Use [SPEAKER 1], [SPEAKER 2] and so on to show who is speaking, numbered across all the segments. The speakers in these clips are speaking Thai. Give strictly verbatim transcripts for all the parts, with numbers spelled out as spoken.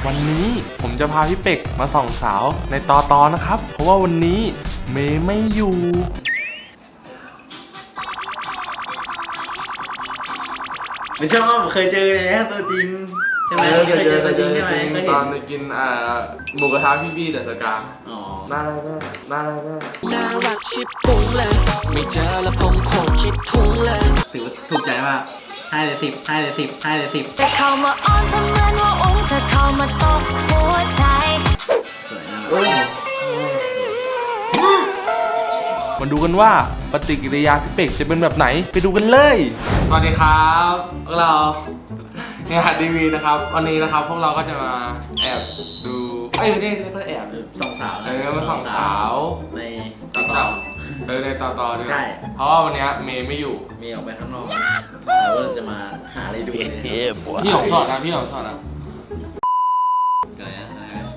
[SPEAKER 1] วันนี้ผมจะพาพี่เป็กมาส่องสาวในตอตอนะครับเพราะว่าวันนี้เมย์ไม่อยู่
[SPEAKER 2] ไม่ใช่ว่าเคยเจอแล้วตัวจริงใช่ไหมเคยเจอตัวจริงใช่ไหม
[SPEAKER 1] ตอนไปกินอ่าหมูกระทะพี่บี้เดอะสกาอ๋อน่ารักน่ารัก
[SPEAKER 3] น่ารักชิบปุ้งเลยไม่เจอแล้วผมโคตรคิดทุ้งเลย
[SPEAKER 2] ถือว่าถูกใจมากให้เลยสิบให้เลยสิบให้เลยสิบ
[SPEAKER 3] จะเข้ามาอ้อนทำเหมือนว่าอุ้งจะเข้ามาตกหัวใจ
[SPEAKER 2] สวยนะ
[SPEAKER 1] มาดูกันว่าปฏิกิริยาพี่เป็กจะเป็นแบบไหนไปดูกันเลยสวัสดีครับพวกเราเนี่ยทีวีนะครับวันนี้นะครับพวกเราก็จะมาแอบดูเอ้ยไม่ได้ไม่ได้แอบ
[SPEAKER 2] ส่องสาว
[SPEAKER 1] เออมาส่องสาว
[SPEAKER 2] ใน
[SPEAKER 1] ต่อต่อเออในต่อต่อด้วยใช่เพราะว่าวันนี้เมย์ไม่อยู่
[SPEAKER 2] เมย์ออกไปข้างนอกเราก็จะมาหาอะไรดู
[SPEAKER 1] พี่ของสอดนะพี่ของสอดนะ
[SPEAKER 2] อะไรนะ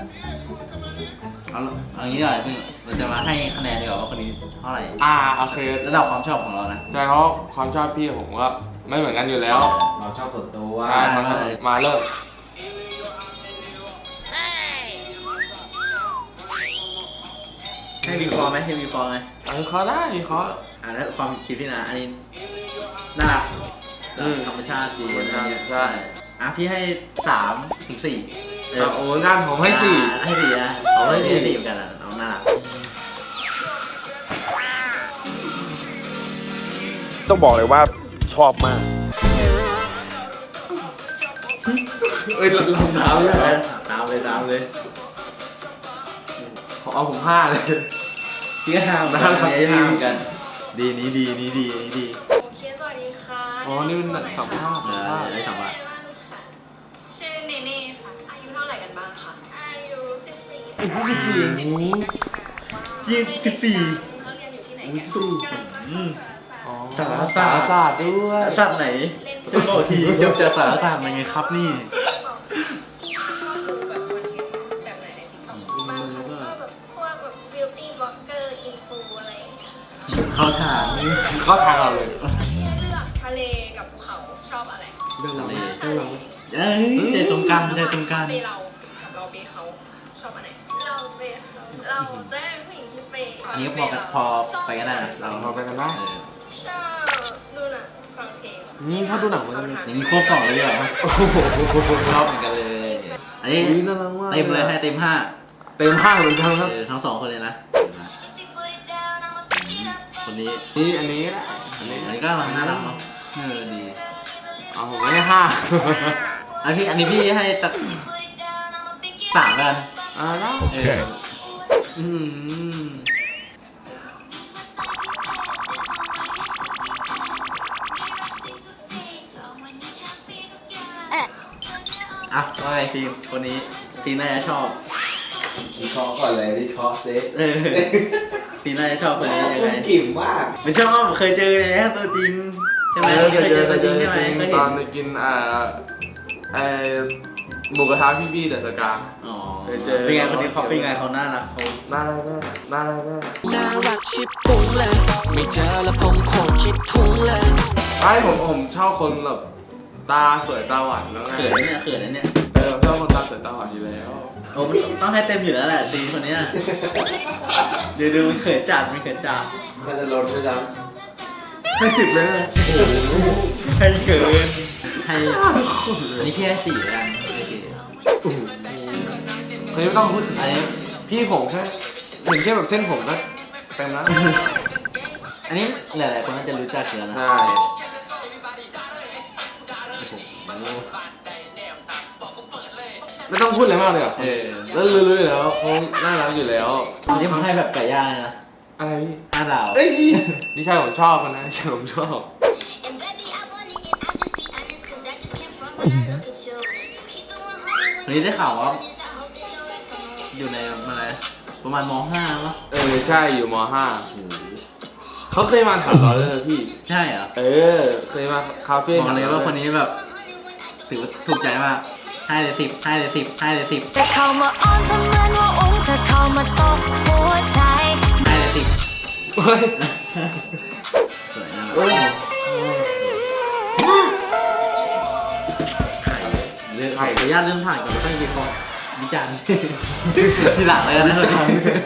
[SPEAKER 2] เอาเอางี้ก่อนเราจะมาให้คะแนนดีกว่าว่าคนนี้เท่าไหร่
[SPEAKER 1] อ่าโอเค
[SPEAKER 2] ระดับความชอบของเรานะ
[SPEAKER 1] ใช่เพราะความชอบพี่ผมก็ไม่เหมือนกันอยู่แล้ว
[SPEAKER 2] เราชอบส่วนตัว
[SPEAKER 1] ใช่มาเริ่ม
[SPEAKER 2] ให้วิเคราะห์ไหมให้วิเคราะห์ไหม
[SPEAKER 1] วิเคราะห์ได้วิเคราะห์
[SPEAKER 2] อ่าแล้วความคิดพี่นะอันนี้น่ารักธรรมชาติดี
[SPEAKER 1] ใช่
[SPEAKER 2] อ่ะพี่ให้สามถึงสี่
[SPEAKER 1] โอ้งานผมให้สี่
[SPEAKER 2] ให้สี่นะผมให้สี่เหมือนกันนะน้องน่ารัก
[SPEAKER 4] ต้องบอกเลยว่าชอบมาก
[SPEAKER 1] เอ้ยลองถามเลย
[SPEAKER 2] ถามเลยถามเลย
[SPEAKER 1] ขอเอาผมห้าเลย
[SPEAKER 2] พี่ก็ห้ามนะพี่ห้ามกันดีนี้ดีนี้ดีนี้ดี
[SPEAKER 5] โอเคสวัสดีค่ะ
[SPEAKER 1] อ๋อนี่เป็นสัมภาษณ์
[SPEAKER 2] สัมภาษณ์ได้สัมภาษณ์
[SPEAKER 5] ชื่อเนเน่ค่ะอายุเท่าไหร่กันบ้างคะอายุสิบสี่
[SPEAKER 1] อายุสิบสี่
[SPEAKER 2] ยี่สิบสี่
[SPEAKER 5] เขาเรียนอยู่ที่ไหนกันกำลัง
[SPEAKER 2] สารศาสตร์ศาสตร์ด้วยศาสตร์ไหนช่วยบอกทีจบจากสารศาสตร์ยังไงครับนี่
[SPEAKER 5] แบบไหนในติ๊กต็อกบ้างคะก็แบบพวกแบบบิวตี้บล็อกเกอร์อินฟูอะไร
[SPEAKER 2] เข้าทาง
[SPEAKER 1] เข้าทางเราเลย
[SPEAKER 5] เลือกทะเลกับภูเขาชอบอะไร
[SPEAKER 2] เรื่องอะไรเรื่องเราเอ้ยใจตรงกันใจตรงกัน
[SPEAKER 5] เปเรากับเราเปเขาชอบอะไรเราเปเราจะได้ผู้หญิงที่เป
[SPEAKER 2] อันนี้พอพอไปกันได้เรา
[SPEAKER 1] พอไปกันได้
[SPEAKER 5] ชอบดูหนังฟังเพลง
[SPEAKER 1] นี่ถ้าดูหนังมัน
[SPEAKER 2] จะมีโค้ดสองเลยเหรอชอบเหมือนกันเลยอันนี้เต็มเลยให้เต็มห้า
[SPEAKER 1] เต็มห้าเหมือนกันครับ
[SPEAKER 2] ทั้งสองคนเลยนะคนนี้
[SPEAKER 1] นี่อันนี้
[SPEAKER 2] อันนี้อันนี้ก็น่ารักเนาะเออดี
[SPEAKER 1] เอาผมให้ห้า
[SPEAKER 2] อันนี้อันนี้พี่ให้สักสามกัน
[SPEAKER 1] อ่าแล้ว
[SPEAKER 2] เอออืมอ่ะว่าไงทีมคนนี้ทีน่าจะชอบ
[SPEAKER 6] วิเคราะห์ก่อนเลยวิเคราะห์เซต
[SPEAKER 2] ทีน่าจะชอบคนนี้ยังไง
[SPEAKER 6] กิ่มมาก
[SPEAKER 2] ไม่ชอบเคยเจอแล้วตัวจริงใช่ไหมเคยเจอตัวจริงใช่ไหม
[SPEAKER 1] ตอนไปกินอ่าไอหมูกระทะพี่บี้เดอะสกา
[SPEAKER 2] อ๋อเป็นไงคนนี้เขาเป็นไงเขาน่ารักเขา
[SPEAKER 1] น่ารักน่ารัก
[SPEAKER 3] น่ารักชิบปุ้งเลยไม่เจอแล้วผมโคตรคิดทุ้งเลย
[SPEAKER 1] ไอ้ผมผมชอบคนแบบตาสวยตาหวานแล้วไง
[SPEAKER 2] เขินเนี่ยเขินเนี่ย
[SPEAKER 1] เออชอบคนตาสวยตาหวานอยู่แล้ว
[SPEAKER 2] โอ้ต้องให้เต็มอยู่แล้วแหละตีคนนี้เดี๋ยวดูมันเขินจัดมันเขินจัด
[SPEAKER 6] มันจะลดด้วยซ้
[SPEAKER 1] ำให้สิบเลย
[SPEAKER 2] ให้เกินให้อันนี้พี่ให้สี่แล้วกัน
[SPEAKER 1] คนนี้ไม่ต้องพูดอันนี้พี่ผมแค่เห็นแค่แบบเส้นผมก็เต็มแล้ว
[SPEAKER 2] อันนี้หลายๆคนน่าจะรู้จักเยอะนะ
[SPEAKER 1] ใช่ไม่ต้องพูดอะไรมากเลยอ่ะเออแล้วรู้ๆอยู่แล้วเขาน่ารักอยู่แล้ว
[SPEAKER 2] อันนี้ผมให้แบบไก่ย่างเลยนะ
[SPEAKER 1] อะไรพี่
[SPEAKER 2] ห้าดาว
[SPEAKER 1] เอ้ยนี่ใช่ผมชอบนะนี่ใช่ผมชอบ
[SPEAKER 2] วันนี้ได้ข่าวว่าอยู่ในอะไรประมาณม.ห้ามั้ง
[SPEAKER 1] เออใช่อยู่ม.ห้าเขาเคยมาถามเราเลยพี่
[SPEAKER 2] ใช่เหรอ
[SPEAKER 1] เออเคยมาคาเฟ่
[SPEAKER 2] บอกเลยว่าคนนี้แบบถือว่าถูกใจมากให้เลยสิบให้เลยสิบให้เลยสิบ
[SPEAKER 3] จะเข้ามาอ้อนทำเหมือนว่าอุ้งจะเข้ามาตกหัวใจ
[SPEAKER 2] ให้เลยสิบ
[SPEAKER 1] เฮ้ย
[SPEAKER 2] สวยนะเรื่องไข่ขออนุญาตเริ่มถ่ายก่อนแล้วค่อยกินก่อนวิจารณ์ ทีหลังเลยนะคนนี้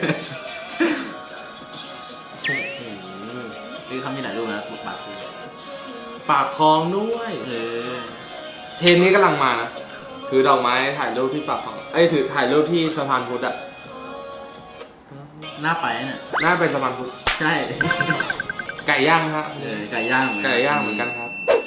[SPEAKER 2] คือเขามีหลายรูปนะถูกปากคือ
[SPEAKER 1] ปากคลองด้วย
[SPEAKER 2] เออ
[SPEAKER 1] เทรนนี้กำลังมานะถือดอกไม้ถ่ายรูปที่ปากคลองไอ้ยถือถ่ายรูปที่สะพานพุทธอะ
[SPEAKER 2] หน้าไปเนี่ย
[SPEAKER 1] น่าเป็นสะพานพุทธ
[SPEAKER 2] ใช่
[SPEAKER 1] ไก่ย่างฮะ
[SPEAKER 2] เออไก่ย่างเหมือนน
[SPEAKER 1] ไก่ย่างเหมือนกันครับ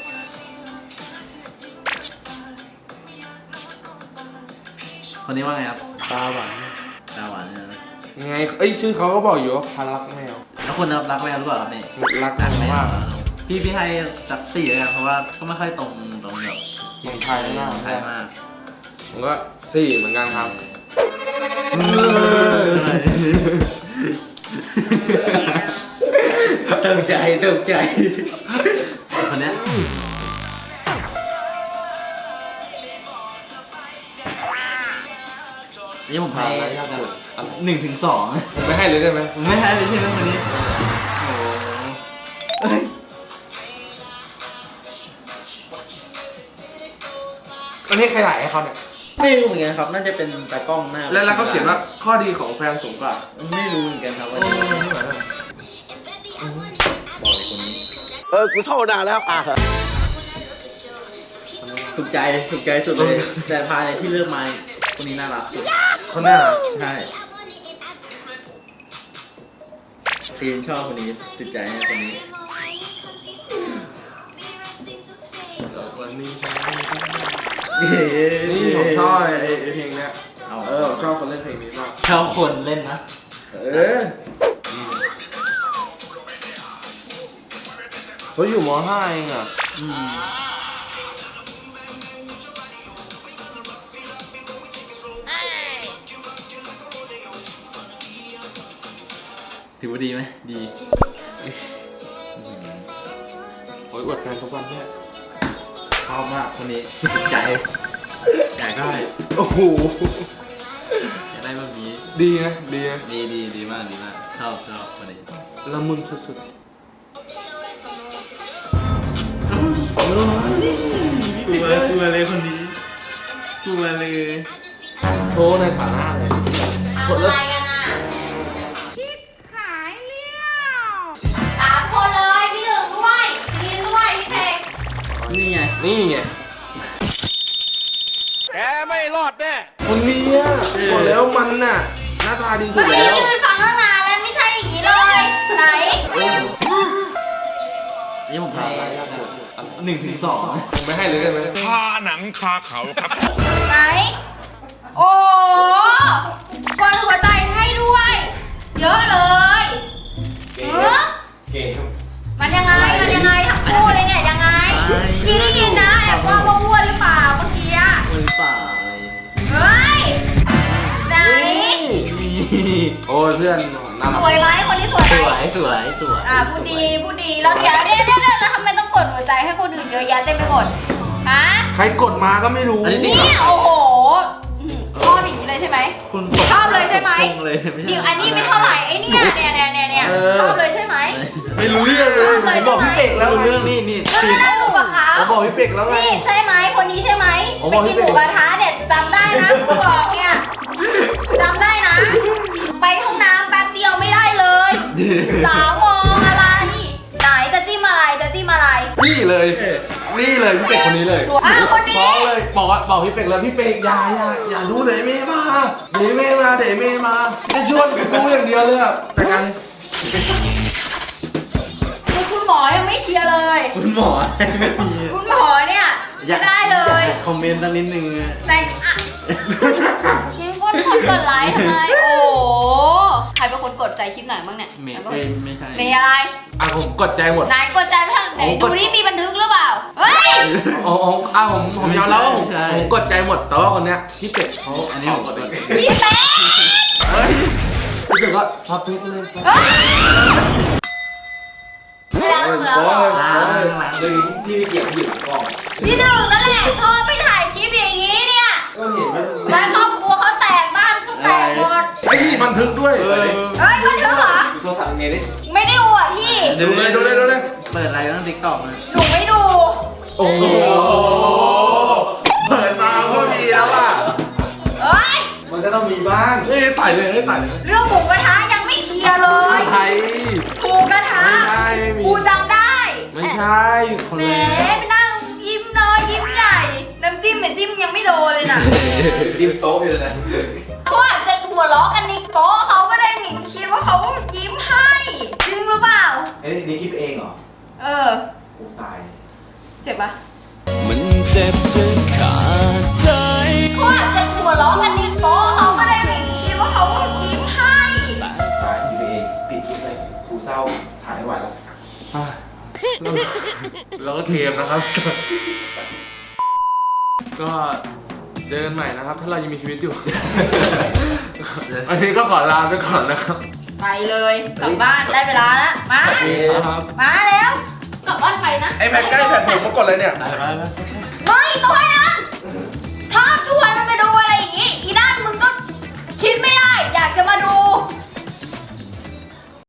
[SPEAKER 2] คนนี้ว่าไงครับ
[SPEAKER 1] ตาหวาน
[SPEAKER 2] ตาหวานเนี่ยนะ
[SPEAKER 1] ยังไงเอ้ยชื่อเขาก็บอกอยู่ว่าพันรักแมว
[SPEAKER 2] แล้วคนรักแมวหรือเปล่าครับเนี่ย
[SPEAKER 1] รักแมวมาก
[SPEAKER 2] พี่พี่ให้จักสี่แล้วกันเพราะว่าก็ไม่ค่อยตรงตรงแบบ
[SPEAKER 1] เมืองไทยมาก
[SPEAKER 2] ไทยมาก
[SPEAKER 1] ผมก็สี่เหมือนกันครับ
[SPEAKER 2] ตกใจตกใจคนเนี้ยนี่ผมให้หนึ่งถึงสอง
[SPEAKER 1] ผมไม่ให้เลยได้ไหม
[SPEAKER 2] ผมไม่ให้เลยใช่ไหมคนนี้โอ้โห
[SPEAKER 1] อันนี้ใครถ่ายให้เขาเนี่ย
[SPEAKER 2] ไม่รู้เหมือนกันครับน่าจะเป็นตากล้องหน้า
[SPEAKER 1] แล้วแล้วเขาเขียนว่าข้อดีของแฟนสูงกว่า
[SPEAKER 2] ไม่รู้เหมือนกันครับว่า
[SPEAKER 1] โอ้ยไม่เหมือนกัน
[SPEAKER 2] บอกเลยคนนี้
[SPEAKER 4] เออ กูเท่านานแล้วอ่ะ
[SPEAKER 2] ถูกใจถูกใจสุดเลยแต่พาในที่เลือกมาคนนี้น่ารักสุด
[SPEAKER 1] คนเนี้ยเหรอ
[SPEAKER 2] ใช่ตีนชอบคนนี้ติดใจให้คนนี้
[SPEAKER 1] วันนี้
[SPEAKER 2] นี่
[SPEAKER 1] นี่ผมชอบไอ้ไอ้เพลงเนี้ย
[SPEAKER 2] เอา
[SPEAKER 1] เออผมชอบคนเล่นเพลงนี้มาก
[SPEAKER 2] ชอบคนเล่นนะ
[SPEAKER 1] เออเขาอยู่ม .ห้า เองอ่ะ
[SPEAKER 2] อืมถือว่าดีไหมดี
[SPEAKER 1] โอ้ยอวดแฟนทุกวันเนี่ย
[SPEAKER 2] ชอบมากคนนี้ติดใจอยากได้
[SPEAKER 1] โอ้โห
[SPEAKER 2] อยากได้แบบนี้
[SPEAKER 1] ดีนะดีนะ
[SPEAKER 2] ดีดีดีมากดีมากชอบชอบคนนี้
[SPEAKER 1] ละมุนสุด
[SPEAKER 2] กลัวกลัวเลยคนนี้กลัวเลย
[SPEAKER 1] ๆโชว์ในฐานะเลย
[SPEAKER 5] ทำอะไรกันอ่ะสามคนเลยพี่หนึ่งด้วยพี่ลินด้วยพี่เพก
[SPEAKER 2] นี่ไง
[SPEAKER 1] นี่ไง
[SPEAKER 4] แกไม่รอดแน่
[SPEAKER 1] คนนี้อ่ะบอกแล้วมันน่ะหน้าตาดีสุ
[SPEAKER 5] เมื่
[SPEAKER 1] ด
[SPEAKER 5] อกี้
[SPEAKER 1] แล้ว
[SPEAKER 5] ยืนฟังตั้งนานแล้วไม่ใช่อย่างนี้เลยไหน
[SPEAKER 2] นี่ผมให้หนึ่งถึงสอง
[SPEAKER 1] ผมไม่ให้เลยได้ไหม
[SPEAKER 4] คาหนังคาเขาครับ
[SPEAKER 5] ไหนโอ้โหกดหัวใจให้ด้วย เยอะเลยเออ
[SPEAKER 6] เกม
[SPEAKER 5] มันยังไงมันยังไงทั้งคู่เลยเนี่ยยังไงยี่ได้ยินนะแอบว่าว่าอ้วนหรือเปล่าเมื่อกี้อะ
[SPEAKER 2] มือเปล่าอะไร
[SPEAKER 5] เฮ้ยไหน
[SPEAKER 2] นี่
[SPEAKER 1] โอ้ยเพื่อนน่า
[SPEAKER 5] ส
[SPEAKER 1] รัก
[SPEAKER 5] วยไหมคนนี้สวย
[SPEAKER 2] ส
[SPEAKER 5] ไหม
[SPEAKER 2] วยสวยสวย
[SPEAKER 5] อ่าพูดดีพูดดีแล้วเดี๋ยวเนี่ยเนี่ยเนี่ยแล้วทำไมต้องกดหัวใจให้คนอื่นเยอะแยะเต็มไปหมดฮะ
[SPEAKER 1] ใครกดมาก็ไม่รู้
[SPEAKER 5] นี่โอ้โหอื้อหือชอบอย่างนี้เลยใช่ไหม
[SPEAKER 2] คุณ
[SPEAKER 5] ชอบเลยใช่ไหม
[SPEAKER 2] ตรงเลยไม่ใช่
[SPEAKER 5] ดิวอันนี้ไม่เท่าไหร่ไอ้เนี่ยเนี่ยเนี่ยเนี่ยเนี่ยชอบเลยใช่ไหม
[SPEAKER 1] ไม่รู้เรื่องเลยผมบอกพี่เป็กแล้ว
[SPEAKER 2] รู้
[SPEAKER 1] ไง
[SPEAKER 2] เรื่องนี่นี่
[SPEAKER 5] ก็
[SPEAKER 2] ตี
[SPEAKER 5] ไม่ได้ถูกกับเขา
[SPEAKER 1] ผมบอกพี่เป็กแล้วไง
[SPEAKER 5] นี่ใช่ไหมคนนี้ใช่ไหม
[SPEAKER 1] ผม
[SPEAKER 5] ไป
[SPEAKER 1] บอก
[SPEAKER 5] กิน
[SPEAKER 1] พี่
[SPEAKER 5] ห
[SPEAKER 1] เป็
[SPEAKER 5] มู
[SPEAKER 1] ก
[SPEAKER 5] กระทะเนี่ยจำได้นะกูบอกเนี่ยจำได้นะ ไปห้องน้ำแป๊บเดียวไม่ได้เลยสาวมองอะไรไหนจะจิ้มอะไรจะจิ้มอะไร
[SPEAKER 1] นี่เลย นี่เลยพี่เป็กคนนี้เลย
[SPEAKER 5] อ้าวคนนี้
[SPEAKER 1] ฟ้องเลยบอกว่าบอกพี่เป็กแล้วพี่เป็กอย่าอย่าอย่าดูเลยเมย์มาเดี๋ยวเมย์มาเดี๋ยวเมย์มาจะชวนกูอย่างเดียวเลยอะแต่กัน
[SPEAKER 5] คุณหมอยังไม่เคลียร์เลย
[SPEAKER 2] คุณหมอไม่มี
[SPEAKER 5] คุณหมอเนี่ยไม่ได้เลย
[SPEAKER 2] คอมเมนต์สักนิดนึง
[SPEAKER 5] แต่อ่ะคิดว่าคนกดไลค์ทำไมโอ้โหใครเป็นคนกดใจคลิปไหนบ้างเนี่ย
[SPEAKER 2] เมย์
[SPEAKER 5] ไหนบ้าง
[SPEAKER 2] เป็นไม่ใช่
[SPEAKER 5] เมย์อะไร
[SPEAKER 1] อ่ะผมกดใจหมด
[SPEAKER 5] ไหนกดใจไม่ทันไหน
[SPEAKER 1] ผมก
[SPEAKER 5] ดู
[SPEAKER 1] ด
[SPEAKER 5] นี่มีบันทึกหรือเปล่าเฮ้ย
[SPEAKER 1] อ๋ออ๋ออ่ะผมผมยอมรับว่าผม
[SPEAKER 2] ใช่
[SPEAKER 1] ผมกดใจหมดแต่ว่าคนเนี้ยพี่เป็กเขา
[SPEAKER 2] อันนี้ผมกด
[SPEAKER 5] พี่เป๊ะ
[SPEAKER 1] เฮ้ยพี่เป็กก็พับพิกเลย
[SPEAKER 5] เฮ้ยแล้วแล้วเหรอ
[SPEAKER 2] ล้างล้าง
[SPEAKER 6] เรื่องที่ไม่เกี่ยวกับอยู่หลังกล้อง
[SPEAKER 5] พี่หนึ่งนั่นแหละชอบไปถ่ายคลิปอย่างนี้เนี่ย
[SPEAKER 6] ก็เห็นมัน
[SPEAKER 5] บ้านครอบครัวเขาแตกบ้านก็แตกหมด
[SPEAKER 1] ไอ้นี่บันทึกด้วย
[SPEAKER 2] เออ
[SPEAKER 5] เฮ้ยบันทึกเหรอ
[SPEAKER 6] โทรศัพท์เมย์ดิ
[SPEAKER 5] ไม่ได้ดูอ่ะพี่
[SPEAKER 1] ดูเลยดูเลยดูเลย
[SPEAKER 2] เปิดอะไรต้องติ๊กต็อกนะ
[SPEAKER 5] หนูไม่ดู
[SPEAKER 1] โอ้โหเปิดมาก็ดีแล้วอ่ะ
[SPEAKER 5] เฮ้ย
[SPEAKER 6] มันก็ต้องมีบ้าง
[SPEAKER 1] เอ้ยไต่เลยเอ้ยไต่เลย
[SPEAKER 5] เรื่องหมูกระทะยังไม่เคลียร์เลย
[SPEAKER 1] ไทย
[SPEAKER 5] หมูกระทะ
[SPEAKER 1] ไม่ใช่ไม่มี
[SPEAKER 5] กูจำได้
[SPEAKER 1] ไม่ใช่คน
[SPEAKER 5] แหม
[SPEAKER 1] เลย
[SPEAKER 5] ไปนั่งยิ้มน้อยยิ้มใหญ่ น้ำจิ้มเหม็นจิ้มยังไม่โดนเลยนะ
[SPEAKER 6] จิ้มโต๊ะอยู่เลยนะ
[SPEAKER 5] เขาอาจจะหัวล้อกันในโต๊ะเขาก็ได้หมิ่นคิดว่าเขายิ้มให้จริงหรือเปล่า
[SPEAKER 6] เอ้ยนี่คิดเองเหรอ
[SPEAKER 5] เออ
[SPEAKER 6] โอ้ตาย
[SPEAKER 5] เจ็บปะ
[SPEAKER 3] มันเจ็บจนขาดใจ
[SPEAKER 5] เขาอาจจะหัวล้อกันในโต๊ะเขาก็ได้หมิ่นคิดว่าเขายิ้มให้
[SPEAKER 6] ตายคิดเองปิดคลิปเลยกูเศร้าถ่ายไม่ไหวแล้ว
[SPEAKER 1] อ่ะเราก็เทียมนะครับ ก็เจอกันใหม่นะครับ ถ้าเรายังมีชีวิตอยู่ วันนี้ก็ขอลาไปก่อนนะครับ
[SPEAKER 5] ไปเลยกลับบ้านได้เวลาแล้วมา
[SPEAKER 1] ครับ
[SPEAKER 5] มาแล้วกลับบ้านไปนะ
[SPEAKER 1] ไอแพนใกล้แผ่นผมมากดเลยเนี่ย
[SPEAKER 5] ไม่ตัวนึงชอบชวนมันมาดูอะไรอย่างงี้อีนั่นมึงก็คิดไม่ได้อยากจะมาดู